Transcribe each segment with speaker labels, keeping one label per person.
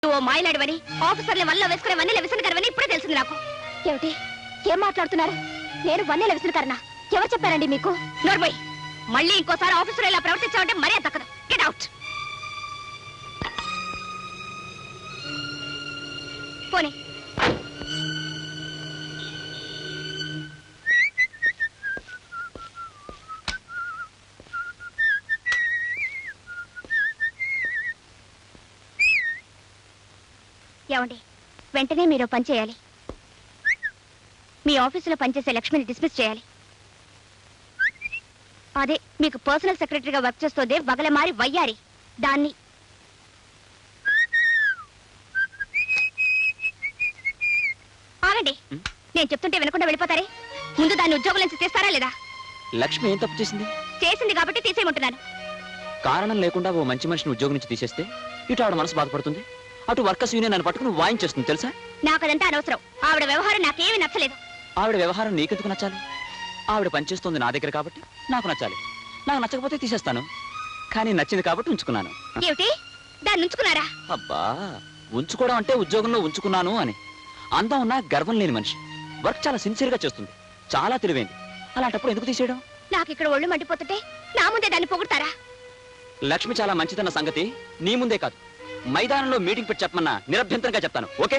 Speaker 1: ఓ మాయలాడివని ఆఫీసర్ల వల్ల వేసుకునే వన్నెల విసనకరవని ఇప్పుడే తెలిసింది నాకు. ఏమిటి ఏం మాట్లాడుతున్నారు? నేను వన్నెల విసనకరనా? ఎవరు చెప్పారండి మీకు? నోర్మోయ్, మళ్ళీ ఇంకోసారి ఆఫీసర్ ఇలా ప్రవర్తించావంటే మరీ దక్కదు. Get out. పోనీ ఏమండి, వెంటనే మీరు పని చేయాలి. మీ ఆఫీసులో పనిచేసే లక్ష్మిని డిస్మిస్ చేయాలి. అదే మీకు పర్సనల్ సెక్రటరీగా వర్క్ చేస్తోందే వగలమారి వయ్యారి, దాన్ని. ఆగండి, నేను చెప్తుంటే వినకుండా వెళ్ళిపోతారే. ముందు దాన్ని ఉద్యోగం నుంచి తీస్తారా లేదా?
Speaker 2: లక్ష్మి ఏం తప్పు చేసింది?
Speaker 1: చేసింది కాబట్టి తీసేయమంటున్నాను.
Speaker 2: కారణం లేకుండా ఓ మంచి మనిషిని ఉద్యోగం నుంచి తీసేస్తే ఇటు ఆవిడ మనసు బాధపడుతుంది, అటు వర్కర్స్ యూనియన్ అని పట్టుకుని వాయించేస్తుంది. తెలుసా?
Speaker 1: నాకు అదంతా అనవసరం. ఆవిడ వ్యవహారం నాకేమీ నచ్చలేదు.
Speaker 2: ఆవిడ వ్యవహారం నీకెందుకు నచ్చాలి? ఆవిడ పనిచేస్తుంది నా దగ్గర కాబట్టి నాకు నచ్చాలి. నాకు నచ్చకపోతే తీసేస్తాను, కానీ నచ్చింది కాబట్టి ఉంచుకున్నాను.
Speaker 1: ఏమిటి, దాన్ని ఉంచుకున్నారా?
Speaker 2: అబ్బా, ఉంచుకోవడం అంటే ఉద్యోగంలో ఉంచుకున్నాను అని. అందం ఉన్నా గర్వం లేని మనిషి, వర్క్ చాలా సిన్సియర్ గా చేస్తుంది, చాలా తెలివైంది. అలాంటప్పుడు ఎందుకు తీసేయడం?
Speaker 1: నాకు ఇక్కడ ఒళ్ళు మండిపోతుంటే నా ముందే దాన్ని పొగుడతారా?
Speaker 2: లక్ష్మి చాలా మంచిదన్న సంగతి నీ ముందే కాదు, మైదానంలో మీటింగ్ పెట్టి చెప్పమన్నా నిరభ్యంతరంగా చెప్తాను. ఓకే?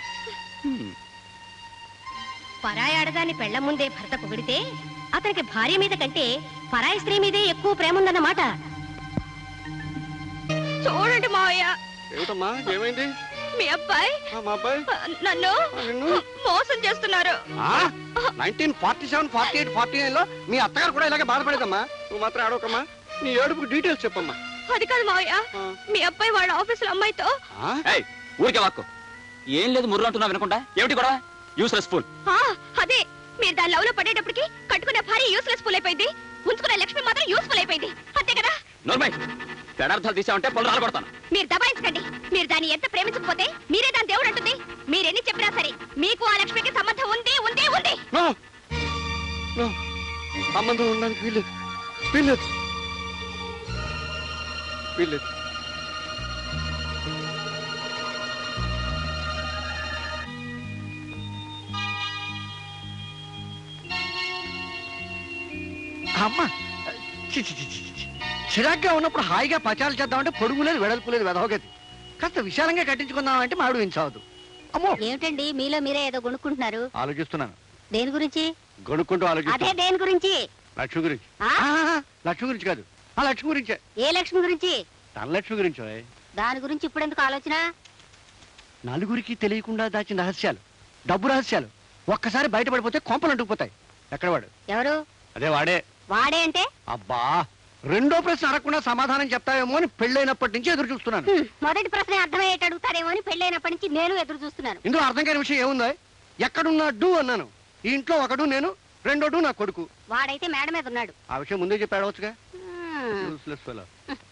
Speaker 1: పరాయి ఆడదాన్ని పెళ్ల ముందే భర్త పొగిడితే అతనికి భార్య మీద కంటే పరాయి స్త్రీ మీదే ఎక్కువ ప్రేమ ఉందన్నమాట. చూడండి మావయ్య.
Speaker 3: ఏమిటమ్మా, ఏమైంది?
Speaker 1: మీ అబ్బాయి నన్ను మోసం చేస్తున్నారు.
Speaker 3: 1947, 48, 49 లో మీ అత్తగారు కూడా ఇలాగే బాధపడేదమ్మా. నువ్వు మాత్రం ఆడవకమ్మా. నీ ఏడుపుకి డీటెయిల్స్ చెప్పమ్మా.
Speaker 1: అది కాదు మావయ్య, మీ అబ్బాయి వాళ్ళ ఆఫీసులో అమ్మాయితో.
Speaker 2: ఊరికే వాక్కు. ఏం లేదు, ముర్రు అంటున్నా వినకుండా. ఏమిటి కూడా యూస్లెస్ ఫుల్.
Speaker 1: అదే, మీరు దాని లవ్ లో పడేటప్పటికి కట్టుకునే భార్య యూస్లెస్ ఫుల్ అయిపోయింది, ఉంచుకునే లక్ష్మి మాత్రం యూస్ఫుల్ అయిపోయింది. అంతే కదా?
Speaker 2: నోర్మై, పెడార్థాలు తీసామంటే పళ్ళు రాలబడతాను.
Speaker 1: మీరు దబాయించకండి. మీరు దాన్ని ఎంత ప్రేమించకపోతే మీరే దాని దేవుడు అంటుంది. మీరెన్ని చెప్పినా సరే మీకు ఆ లక్ష్మికి సంబంధం ఉంది ఉంది ఉంది.
Speaker 3: సంబంధం ఉండడానికి వీల్లేదు, వీల్లేదు, వీల్లేదు. అమ్మా, చిరాగ్గా ఉన్నప్పుడు హాయిగా పచాలు చేద్దామంటే పొడుగు లేదు, వెడల్పు లేదు, వెదవగతి. కాస్త విశాలంగా కట్టించుకుందామంటే మాడు వించవద్దు. అమ్మో,
Speaker 1: ఏమిటండి మీలో మీరే ఏదో కొనుక్కుంటున్నారు?
Speaker 3: ఆలోచిస్తున్నాను.
Speaker 1: దేని గురించి?
Speaker 3: గొనుక్కుంటూ
Speaker 1: అదే
Speaker 3: ఆలోచిస్తున్నా.
Speaker 1: దేని గురించి?
Speaker 3: లక్ష్మి గురించి. లక్ష్మి గురించి కాదు, ఆ లక్ష్మి గురించే.
Speaker 1: ఏ లక్ష్మి గురించి?
Speaker 3: తన లక్ష్మి గురించో.
Speaker 1: దాని గురించి ఇప్పుడు ఎందుకు ఆలోచన?
Speaker 3: నలుగురికి తెలియకుండా దాచిన రహస్యాలు, డబ్బు రహస్యాలు ఒక్కసారి బయటపడిపోతే కొంపలు అంటుకుపోతాయి. ఎక్కడ వాడు?
Speaker 1: ఎవరు?
Speaker 3: అదే వాడే.
Speaker 1: వాడే అంటే?
Speaker 3: అబ్బా, రెండో ప్రశ్న అడగకుండా సమాధానం చెప్తావేమో అని పెళ్ళైనప్పటి నుంచి ఎదురు చూస్తున్నాను.
Speaker 1: మొదటి ప్రశ్న అర్థమయ్యేట అడుగుతారేమో అని పెళ్ళైనప్పటి నుంచి నేను ఎదురు చూస్తున్నాను.
Speaker 3: ఇందులో అర్థం కాని విషయం ఏముందో? ఎక్కడున్నాడు అన్నాను. ఈ ఇంట్లో ఒకడు నేను, రెండోడు నా కొడుకు.
Speaker 1: వాడైతే మేడ మీద ఉన్నాడు.
Speaker 3: ఆ విషయం ముందే చెప్పి అడగచ్చుగా.